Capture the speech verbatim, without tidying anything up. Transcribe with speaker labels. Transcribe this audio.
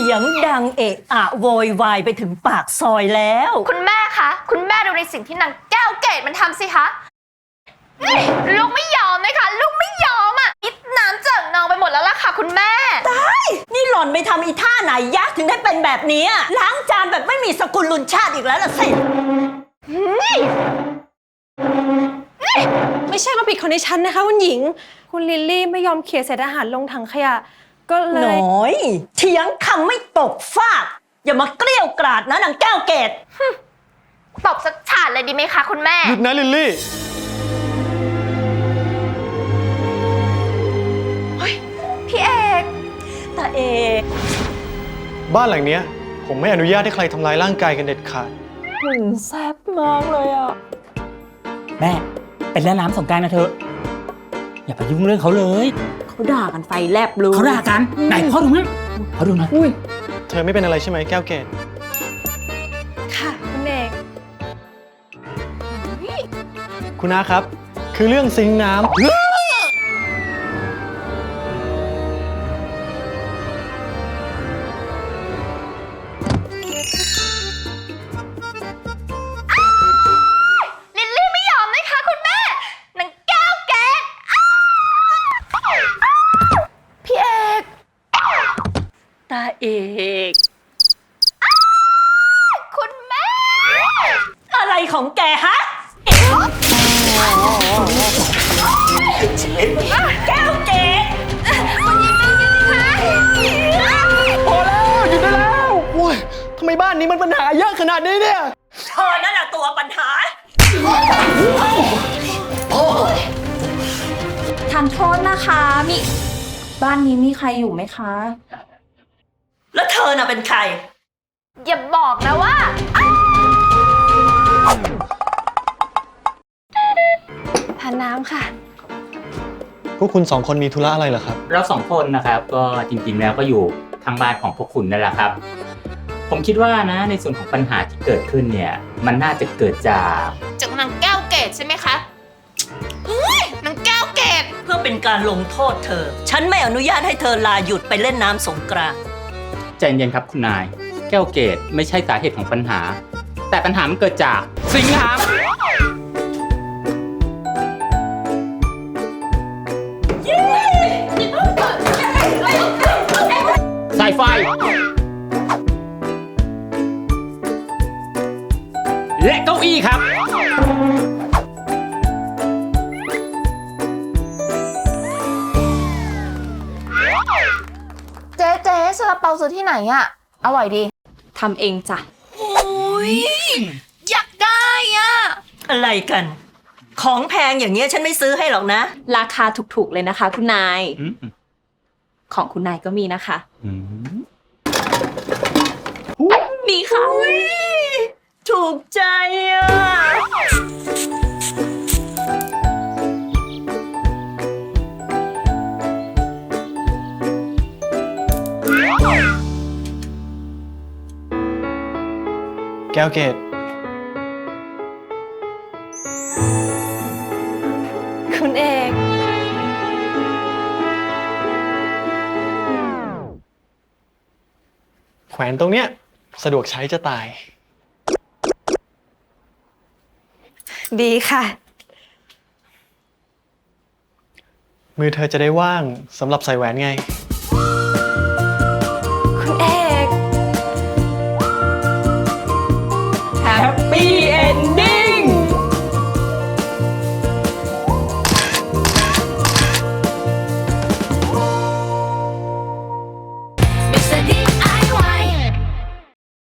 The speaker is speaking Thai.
Speaker 1: ยงดังเอะอะโวยวายไปถึงปากซอยแล้ว
Speaker 2: คุณแม่คะคุณแม่ดูในสิ่งที่นางแก้วเกตมันทำสิคะนี่ลูกไม่ยอมนะคะลูกไม่ยอมอ่ะนิดน้ำเจิ่งนองไปหมดแล้วล่ะค่ะคุณแม่
Speaker 1: ตายนี่หล่อนไปทำอีท่าไหนยะถึงได้เป็นแบบนี้ล้างจานแบบไม่มีสกุลลุนชาติอีกแล้วล่ะสิ
Speaker 3: ไม่ใช่ความผิดของดิฉันนะคะคุณหญิงคุณลิลลี่ไม่ยอมเขี่ยเศษอาหารลงถังขยะก็เลย
Speaker 1: น้อยเถียงคำไม่ตกฟากอย่ามาเกลี้ยวกราดนะนางแก้วเกต
Speaker 2: ตบสักฉาดเลยดีไหมคะคุณแม่
Speaker 4: หยุดนะลิลลี่
Speaker 2: เฮ้ยพี่เอก
Speaker 1: ตาเอก
Speaker 4: บ้านหลังเนี้ยผมไม่อนุญาตให้ใครทำร้ายร่างกายกันเด็ดขาด
Speaker 1: หุ่นแซ่บมากเลยอ่ะ
Speaker 5: แม่เป็นเล่นน้ำสงกรานต์นะเธออย่าไปยุ่งเรื่องเขาเลย
Speaker 1: เขาด่ากันไฟแลบเลย
Speaker 5: เขาด่ากันไหนพ่อดูมั้ยพ่อดูนะ
Speaker 4: เธอไม่เป็นอะไรใช่ไหมแก้วเกต
Speaker 3: ค่ะคุณเอก
Speaker 4: คุณอาครับคือเรื่องซิงค์น้ำ
Speaker 1: ตาเอก
Speaker 2: คุณแม่
Speaker 1: อะไรของแกฮะแก้วเกต
Speaker 2: คุณยิงไม่ยิงคะ
Speaker 4: พอแล้วหยุดได้แล้วโอ้ยทำไมบ้านนี้มันปัญหาเยอะขนาดนี้เนี่ย
Speaker 1: เธอนั่นแหละตัวปัญหา
Speaker 3: ทานโทษนะคะมีบ้านนี้มีใครอยู่ไหมคะ
Speaker 1: แล้วเธอน่ะเป็นใคร
Speaker 2: อย่าบอกนะว่า
Speaker 3: ทานน้ำค่ะ
Speaker 4: พวกคุณสองคนมีธุระอะไรเหรอครับ
Speaker 5: เราสองคนนะครับก็จริงๆแล้วก็อยู่ทางบ้านของพวกคุณนั่นแหละครับผมคิดว่านะในส่วนของปัญหาที่เกิดขึ้นเนี่ยมันน่าจะเกิดจาก
Speaker 2: จากนางแก้วเกตใช่ไหมคะเฮ้ยนางแก้วเกต
Speaker 1: เพื่อเป็นการลงโทษเธอฉันไม่อนุญาตให้เธอลาหยุดไปเล่นน้ำสงกรานต์
Speaker 5: ใจเย็นครับคุณนายแก้วเกตไม่ใช่สาเหตุของปัญหาแต่ปัญหามันเกิดจากซิงค์น้ำสายไฟและเก้าอี้ครับ
Speaker 2: เจ๊เจ๊ซาลาเปาซื้อที่ไหนอะอร่อยดี
Speaker 3: ทำเองจ้ะ
Speaker 2: โอ้ยอยากได้อะ
Speaker 1: อะไรกันของแพงอย่างเงี้ยฉันไม่ซื้อให้หรอกนะ
Speaker 3: ราคาถูกๆเลยนะคะคุณนายของคุณนายก็มีนะคะมีค่ะ
Speaker 1: ถูกใจอ่ะ
Speaker 4: แก้วเกต
Speaker 3: คุณเอก
Speaker 4: แขวนตรงเนี้ยสะดวกใช้จะตาย
Speaker 3: ดีค่ะ
Speaker 4: มือเธอจะได้ว่างสำหรับใส่แหวนไง